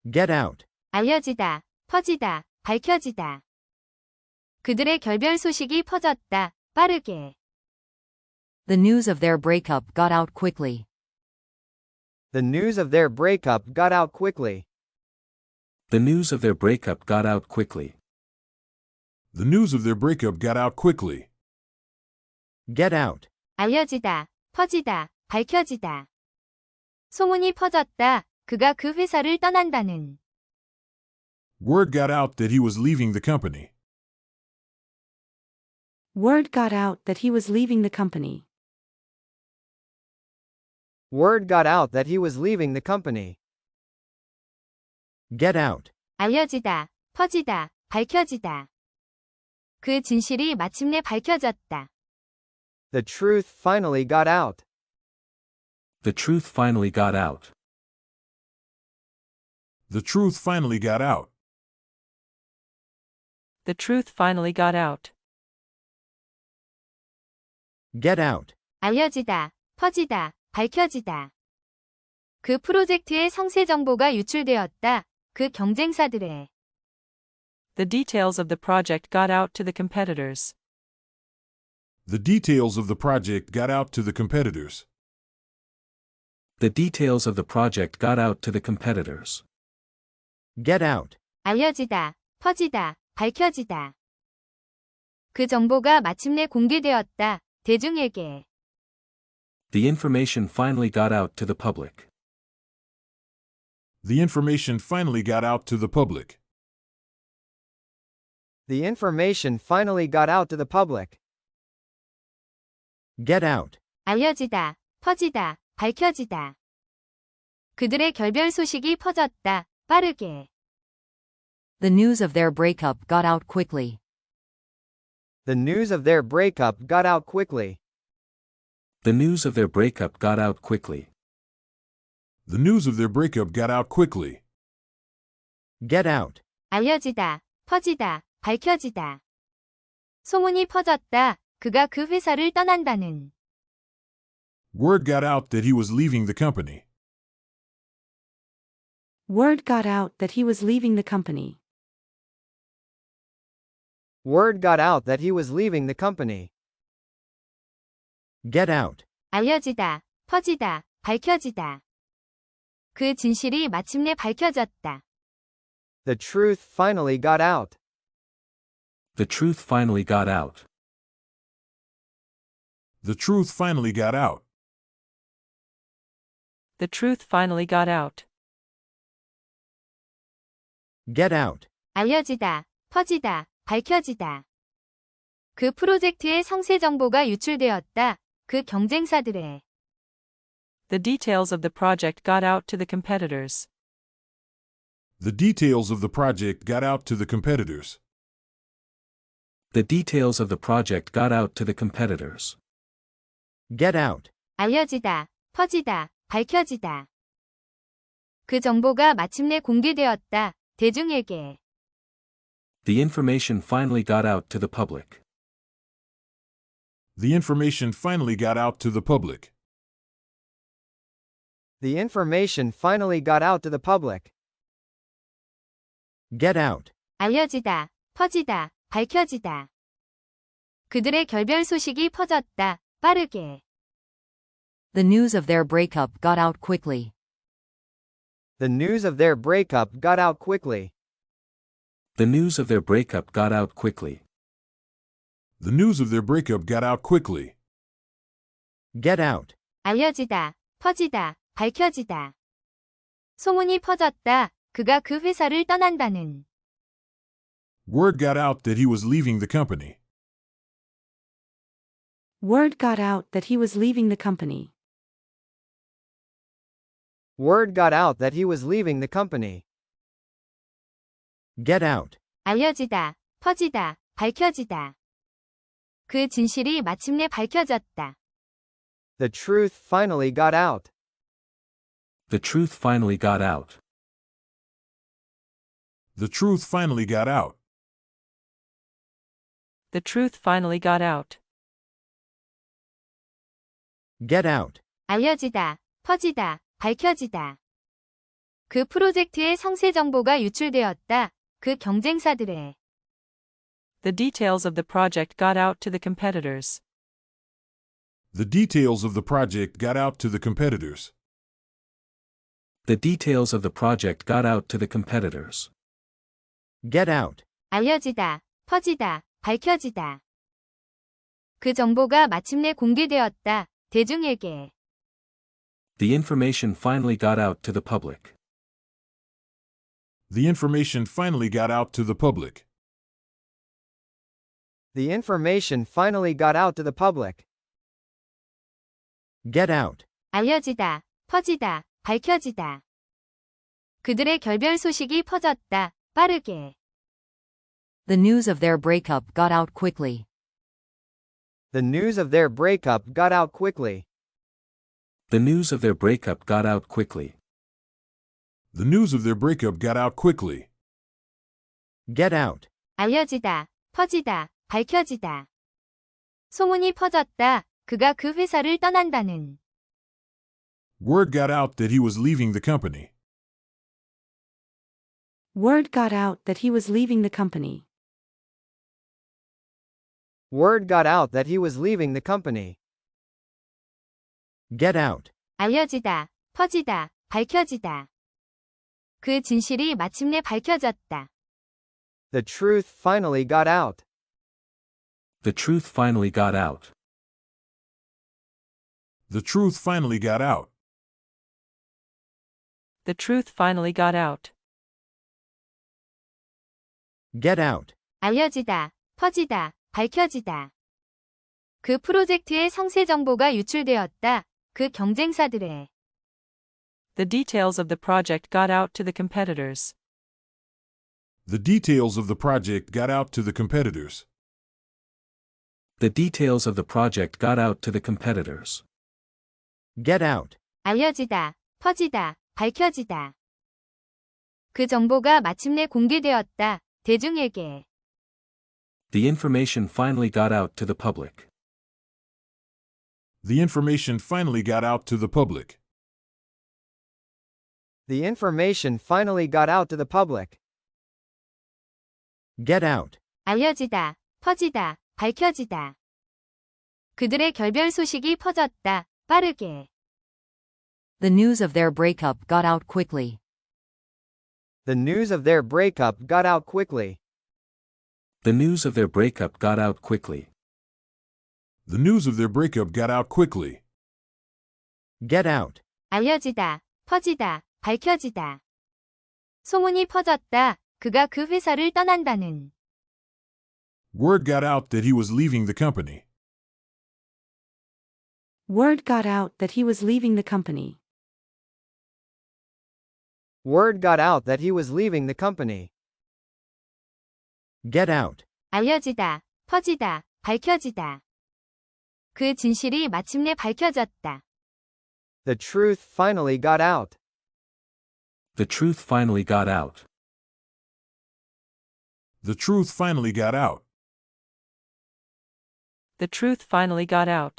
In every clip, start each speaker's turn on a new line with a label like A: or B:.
A: Get out.
B: 알려지다, 퍼지다, 밝혀지다. 그들의 결별 소식이 퍼졌다, 빠르게.
C: The news of their breakup got out quickly.
D: The news of their breakup got out quickly.
E: The news of their breakup got out quickly.
F: The news of their breakup got out quickly.
A: Get out.
B: 알려지다, 퍼지다, 밝혀지다. 소문이 퍼졌다, 그가 그 회사를 떠난다는.
F: Word got out that he was leaving the company.
G: Word got out that he was leaving the company.
D: Word got out that he was leaving the company.
A: Get out.
B: 알려지다, 퍼지다, 밝혀지다. 그 진실이 마침내 밝혀졌다.
D: The truth finally got out.
E: The truth finally got out.
F: The truth finally got out.
H: The truth finally got out.
A: Get out.
B: 알려지다, 퍼지다, 밝혀지다. 그 프로젝트의 상세 정보가 유출되었다. 그 경쟁사들의.
H: The details of the project got out to the competitors.
F: The details of the project got out to the competitors.
E: The details of the project got out to the competitors.
A: Get out.
B: 알려지다, 퍼지다, 밝혀지다. 그 정보가 마침내 공개되었다. 대중에게.
E: The information finally got out to the public.
F: The information finally got out to the public.
D: The information finally got out to the public.
A: Get out.
B: 알려지다, 퍼지다, 밝혀지다. 그들의 결별 소식이 퍼졌다. 빠르게.
C: The news of their breakup got out quickly.
D: The news of their breakup got out quickly.
E: The news of their breakup got out quickly.
F: The news of their breakup got out quickly.
A: Get out.
B: 알려지다, 퍼지다, 밝혀지다. 소문이 퍼졌다. 그가 그 회사를 떠난다는.
F: Word got out that he was leaving the company.
G: Word got out that he was leaving the company.
D: Word got out that he was leaving the company.
A: Get out.
B: 알려지다, 퍼지다, 밝혀지다. 그 진실이 마침내 밝혀졌다.
D: The truth finally got out.
E: The truth finally got out.
F: The truth finally got out.
H: The truth finally got out.
A: Get out.
B: 알려지다, 퍼지다, 밝혀지다. 그 프로젝트의 상세 정보가 유출되었다. 그 경쟁사들의.
H: The details of the project got out to the competitors.
F: The details of the project got out to the competitors.
E: The details of the project got out to the competitors.
A: Get out.
B: 알려지다, 퍼지다, 밝혀지다. 그 정보가 마침내 공개되었다. 대중에게.
E: The information finally got out to the public.
F: The information finally got out to the public.
D: The information finally got out to the public.
A: Get out.
B: 알려지다, 퍼지다, 밝혀지다. 그들의 결별 소식이 퍼졌다. 빠르게.
C: The news of their breakup got out quickly.
D: The news of their breakup got out quickly.
E: The news of their breakup got out quickly.
F: The news of their breakup got out quickly.
A: Get out.
B: 알려지다, 퍼지다, 밝혀지다. 소문이 퍼졌다. 그가 그 회사를 떠난다는.
F: Word got out that he was leaving the company.
G: Word got out that he was leaving the company.
D: Word got out that he was leaving the company.
A: Get out.
B: 알려지다, 퍼지다, 밝혀지다. 그 진실이 마침내 밝혀졌다.
D: The truth finally got out.
E: The truth finally got out.
F: The truth finally got out.
H: The truth finally got out.
A: Get out.
B: 알려지다, 퍼지다, 밝혀지다. 그 프로젝트의 상세 정보가 유출되었다. 그 경쟁사들에.
H: The details of the project got out to the competitors.
F: The details of the project got out to the competitors.
E: The details of the project got out to the competitors.
A: Get out.
B: 알려지다, 퍼지다, 밝혀지다. 그 정보가 마침내 공개되었다. 대중에게.
E: The information finally got out to the public.
F: The information finally got out to the public.
D: The information finally got out to the public.
A: Get out.
B: 알려지다, 퍼지다, 밝혀지다. 그들의 결별 소식이 퍼졌다. 빠르게.
C: The news of their breakup got out quickly.
D: The news of their breakup got out quickly.
E: The news of their breakup got out quickly.
F: The news of their breakup got out quickly.
A: Get out.
B: 알려지다, 퍼지다, 밝혀지다. 소문이 퍼졌다. 그가 그 회사를 떠난다는.
F: Word got out that he was leaving the company.
G: Word got out that he was leaving the company.
D: Word got out that he was leaving the company.
A: Get out.
B: 알려지다, 퍼지다, 밝혀지다. 그 진실이 마침내 밝혀졌다.
D: The truth finally got out.
E: The truth finally got out.
F: The truth finally got out.
H: The truth finally got out.
A: Get out.
B: 알려지다, 퍼지다, 밝혀지다. 그 프로젝트의 상세 정보가 유출되었다. 그 경쟁사들에.
H: The details of the project got out to the competitors.
F: The details of the project got out to the competitors.
E: The details of the project got out to the competitors.
A: Get out.
B: 알려지다, 퍼지다, 밝혀지다. 그 정보가 마침내 공개되었다. 대중에게.
E: The information finally got out to the public.
F: The information finally got out to the public.
D: The information finally got out to the public.
A: Get out.
B: 알려지다, 퍼지다, 밝혀지다. 그들의 결별 소식이 퍼졌다. 빠르게.
C: The news of their breakup got out quickly.
D: The news of their breakup got out quickly.
E: The news of their breakup got out quickly.
F: The news of their breakup got out quickly.
A: Get out.
B: 알려지다, 퍼지다, 밝혀지다. 소문이 퍼졌다. 그가 그 회사를 떠난다는.
F: Word got out that he was leaving the company.
G: Word got out that he was leaving the company.
D: Word got out that he was leaving the company.
A: Get out.
B: 알려지다, 퍼지다, 밝혀지다. 그 진실이 마침내 밝혀졌다.
D: The truth finally got out.
E: The truth finally got out.
F: The truth finally got out.
H: The truth finally got out.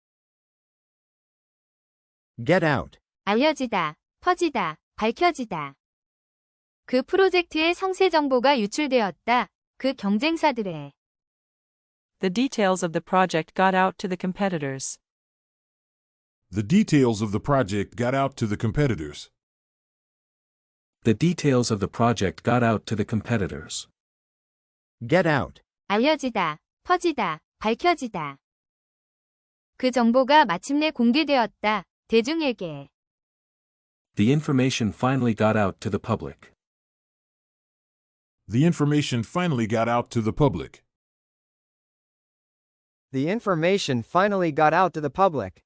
A: Get out.
B: 알려지다, 퍼지다, 밝혀지다. 그 프로젝트의 상세 정보가 유출되었다. 그 경쟁사들에.
H: The details of the project got out to the competitors.
F: The details of the project got out to the competitors.
E: The details of the project got out to the competitors.
A: Get out.
B: 알려지다, 퍼지다, 밝혀지다. 그 정보가 마침내 공개되었다. 대중에게.
E: The information finally got out to the public.
F: The information finally got out to the public.
D: The information finally got out to the public.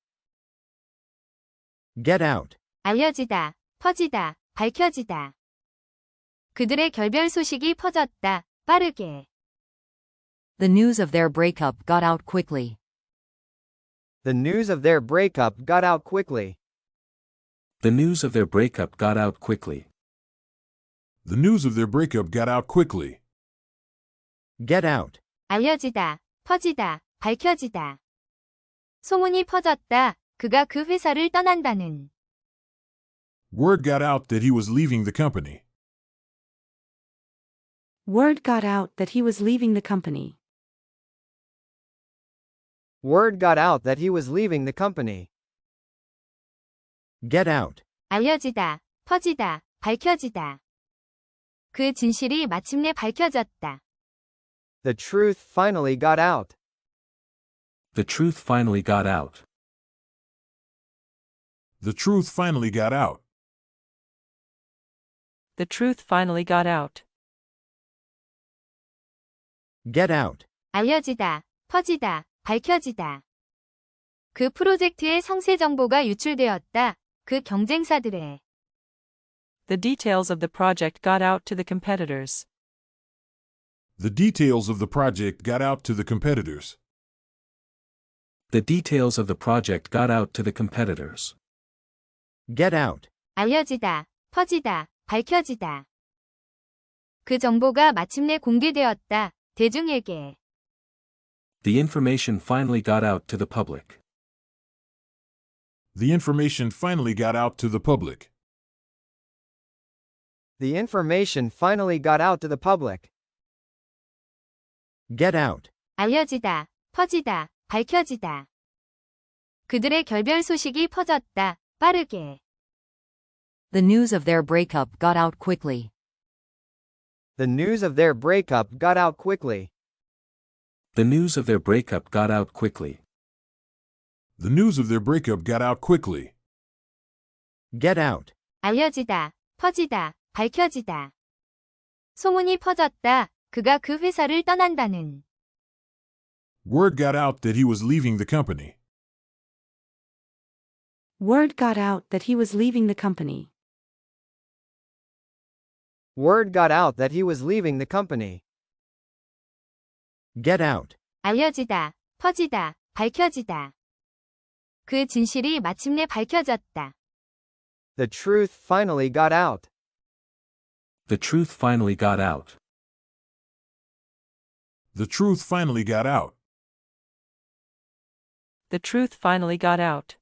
A: Get out.
B: 알려지다, 퍼지다, 밝혀지다. 그들의 결별 소식이 퍼졌다. 빠르게.
C: The news of their breakup got out quickly.
D: The news of their breakup got out quickly.
E: The news of their breakup got out quickly.
F: The news of their breakup got out quickly.
A: Get out.
B: 알려지다, 퍼지다, 밝혀지다. 소문이 퍼졌다. 그가 그 회사를 떠난다는.
F: Word got out that he was leaving the company.
G: Word got out that he was leaving the company.
D: Word got out that he was leaving the company.
A: Get out.
B: 알려지다, 퍼지다, 밝혀지다. 그 진실이 마침내 밝혀졌다.
D: The truth finally got out.
E: The truth finally got out.
F: The truth finally got out.
H: The truth finally got out.
A: Get out.
B: 알려지다, 퍼지다, 밝혀지다. 그 프로젝트의 성세 정보가 유출되었다. 그 경쟁사들의
H: The details of the project got out to the competitors.
F: The details of the project got out to the competitors.
E: The details of the project got out to the competitors.
A: Get out.
B: 알려지다, 퍼지다, 밝혀지다. 그 정보가 마침내 공개되었다. 대중에게
E: The information finally got out to the public.
F: The information finally got out to the public.
D: The information finally got out to the public.
A: Get out.
B: 알려지다, 퍼지다, 밝혀지다. 그들의 결별 소식이 퍼졌다. 빠르게.
C: The news of their breakup got out quickly.
D: The news of their breakup got out quickly.
E: The news of their breakup got out quickly.
F: The news of their breakup got out quickly.
A: Get out.
B: 알려지다, 퍼지다, 밝혀지다. 소문이 퍼졌다. 그가 그 회사를 떠난다는.
F: Word got out that he was leaving the company.
G: Word got out that he was leaving the company.
D: Word got out that he was leaving the company.
A: Get out.
B: 알려지다, 퍼지다, 밝혀지다. 그 진실이 마침내 밝혀졌다.
D: The truth finally got out.
E: The truth finally got out.
F: The truth finally got out.
H: The truth finally got out.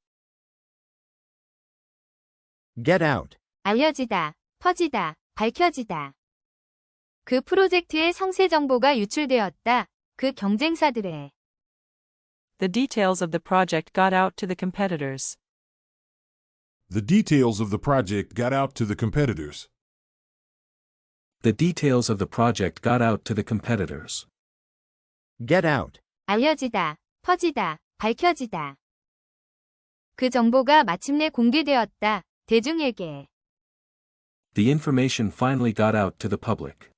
A: Get out.
B: 알려지다, 퍼지다, 밝혀지다. 그 프로젝트의 성세 정보가 유출되었다. 그 경쟁사들의
H: The details of the project got out to the competitors.
F: The details of the project got out to the competitors.
E: The details of the project got out to the competitors.
A: Get out.
B: 알려지다, 퍼지다, 밝혀지다. 그 정보가 마침내 공개되었다. 대중에게
E: The information finally got out to the public.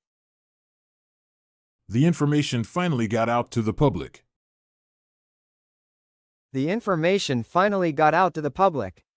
F: The information finally got out to the public.
D: The information finally got out to the public.